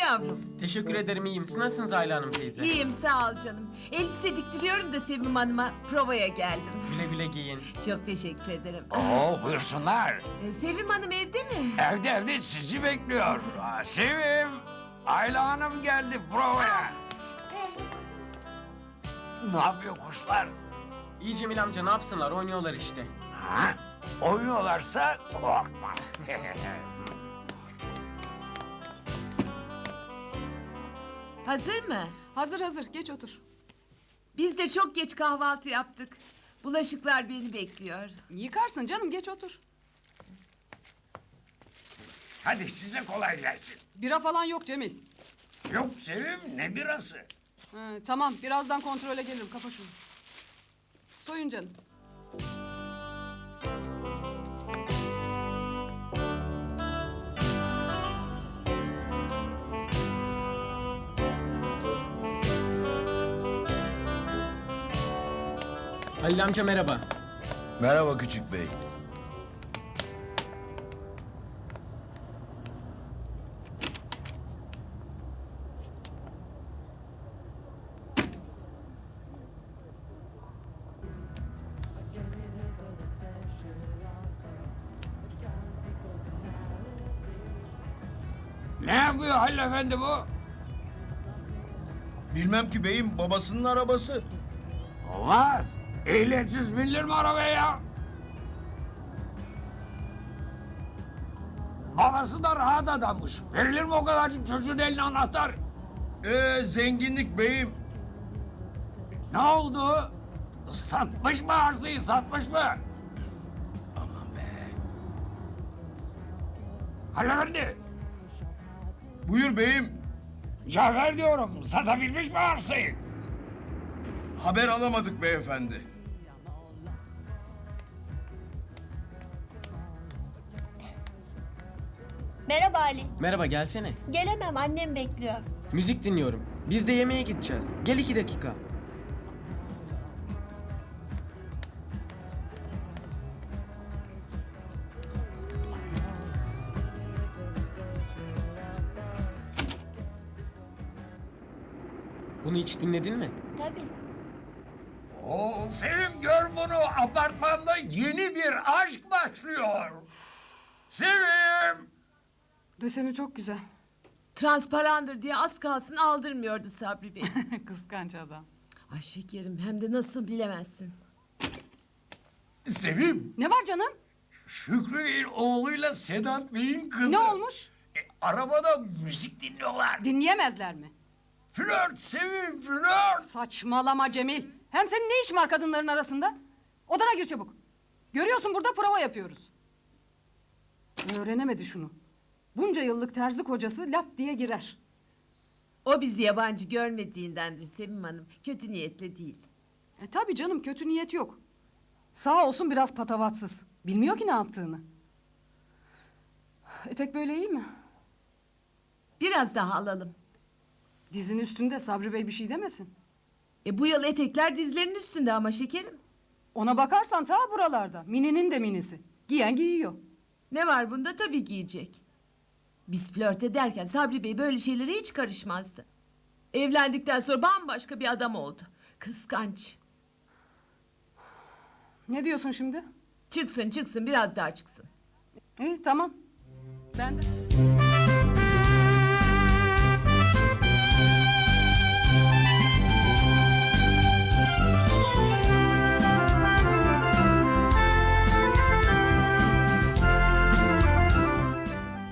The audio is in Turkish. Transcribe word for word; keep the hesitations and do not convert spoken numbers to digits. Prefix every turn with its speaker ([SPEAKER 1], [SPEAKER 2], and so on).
[SPEAKER 1] yavrum?
[SPEAKER 2] Teşekkür ederim, iyiyim. Siz nasılsınız Ayla Hanım teyze?
[SPEAKER 1] İyiyim sağ ol canım. Elbise diktiriyorum da Sevim Hanım'a provaya geldim.
[SPEAKER 2] Güle güle giyin.
[SPEAKER 1] Çok teşekkür ederim.
[SPEAKER 3] Oo buyursunlar.
[SPEAKER 1] Ee, Sevim Hanım evde mi?
[SPEAKER 3] Evde evde sizi bekliyor. Aa, Sevim. Ayla Hanım geldi provaya. Ne yapıyor kuşlar?
[SPEAKER 2] İyi Cemil amca, ne yapsınlar? Oynuyorlar işte.
[SPEAKER 3] Ha? Oynuyorlarsa korkma.
[SPEAKER 1] Hazır mı?
[SPEAKER 4] Hazır hazır, geç otur.
[SPEAKER 1] Biz de çok geç kahvaltı yaptık. Bulaşıklar beni bekliyor.
[SPEAKER 4] Yıkarsın canım, geç otur.
[SPEAKER 3] Hadi size kolay gelsin.
[SPEAKER 4] Bira falan yok Cemil.
[SPEAKER 3] Yok Sevim, ne birası?
[SPEAKER 4] Ha, tamam, birazdan kontrole gelirim, kapa şunu. Soyun canım.
[SPEAKER 2] Halil amca merhaba.
[SPEAKER 5] Merhaba küçük bey.
[SPEAKER 3] Ne yapıyor Halil Efendi bu?
[SPEAKER 5] Bilmem ki beyim, babasının arabası.
[SPEAKER 3] Olmaz. Ehliyetsiz binilir mi arabaya ya? Babası da rahat adammış. Verilir mi o kadarcık çocuğun eline anahtar?
[SPEAKER 5] Ee, zenginlik beyim.
[SPEAKER 3] Ne oldu? Satmış mı arsayı, satmış mı?
[SPEAKER 5] Aman be.
[SPEAKER 3] Halil Efendi,
[SPEAKER 5] Buyur beyim.
[SPEAKER 3] Cafer diyorum, satabilmiş mi arsayı?
[SPEAKER 5] Haber alamadık beyefendi.
[SPEAKER 6] Merhaba Ali.
[SPEAKER 2] Merhaba, gelsene.
[SPEAKER 6] Gelemem, annem bekliyor.
[SPEAKER 2] Müzik dinliyorum. Biz de yemeğe gideceğiz. Gel iki dakika. Bunu hiç dinledin mi?
[SPEAKER 6] Tabii.
[SPEAKER 3] Oo, Sevim gör bunu, apartmanda yeni bir aşk başlıyor. Sevim!
[SPEAKER 4] Deseni çok güzel.
[SPEAKER 1] Transparandır diye az kalsın aldırmıyordu Sabri Bey.
[SPEAKER 4] Kıskanç adam.
[SPEAKER 1] Ay şekerim, hem de nasıl bilemezsin.
[SPEAKER 3] Sevim,
[SPEAKER 4] Ne var canım?
[SPEAKER 3] Şükrü Bey'in oğluyla Sedat Bey'in kızı.
[SPEAKER 4] Ne olmuş?
[SPEAKER 3] E, arabada müzik dinliyorlar.
[SPEAKER 4] Dinleyemezler mi?
[SPEAKER 3] Flört Sevim, flört.
[SPEAKER 4] Saçmalama Cemil. Hem senin ne işin var kadınların arasında? Odana gir çabuk. Görüyorsun burada prova yapıyoruz. Öğrenemedi şunu. Bunca yıllık terzi kocası lap diye girer.
[SPEAKER 1] O bizi yabancı görmediğindendir Sevim Hanım. Kötü niyetle değil.
[SPEAKER 4] E tabii canım, kötü niyet yok. Sağ olsun biraz patavatsız. Bilmiyor ki ne yaptığını. Etek böyle iyi mi?
[SPEAKER 1] Biraz daha alalım.
[SPEAKER 4] Dizin üstünde, Sabri Bey bir şey demesin.
[SPEAKER 1] E bu yıl etekler dizlerinin üstünde ama şekerim.
[SPEAKER 4] Ona bakarsan ta buralarda. Mininin de minisi. Giyen giyiyor.
[SPEAKER 1] Ne var bunda, tabii giyecek. Biz flört ederken Sabri Bey böyle şeylere hiç karışmazdı. Evlendikten sonra bambaşka bir adam oldu. Kıskanç.
[SPEAKER 4] Ne diyorsun şimdi?
[SPEAKER 1] Çıksın çıksın, biraz daha çıksın.
[SPEAKER 4] İyi tamam. Ben de...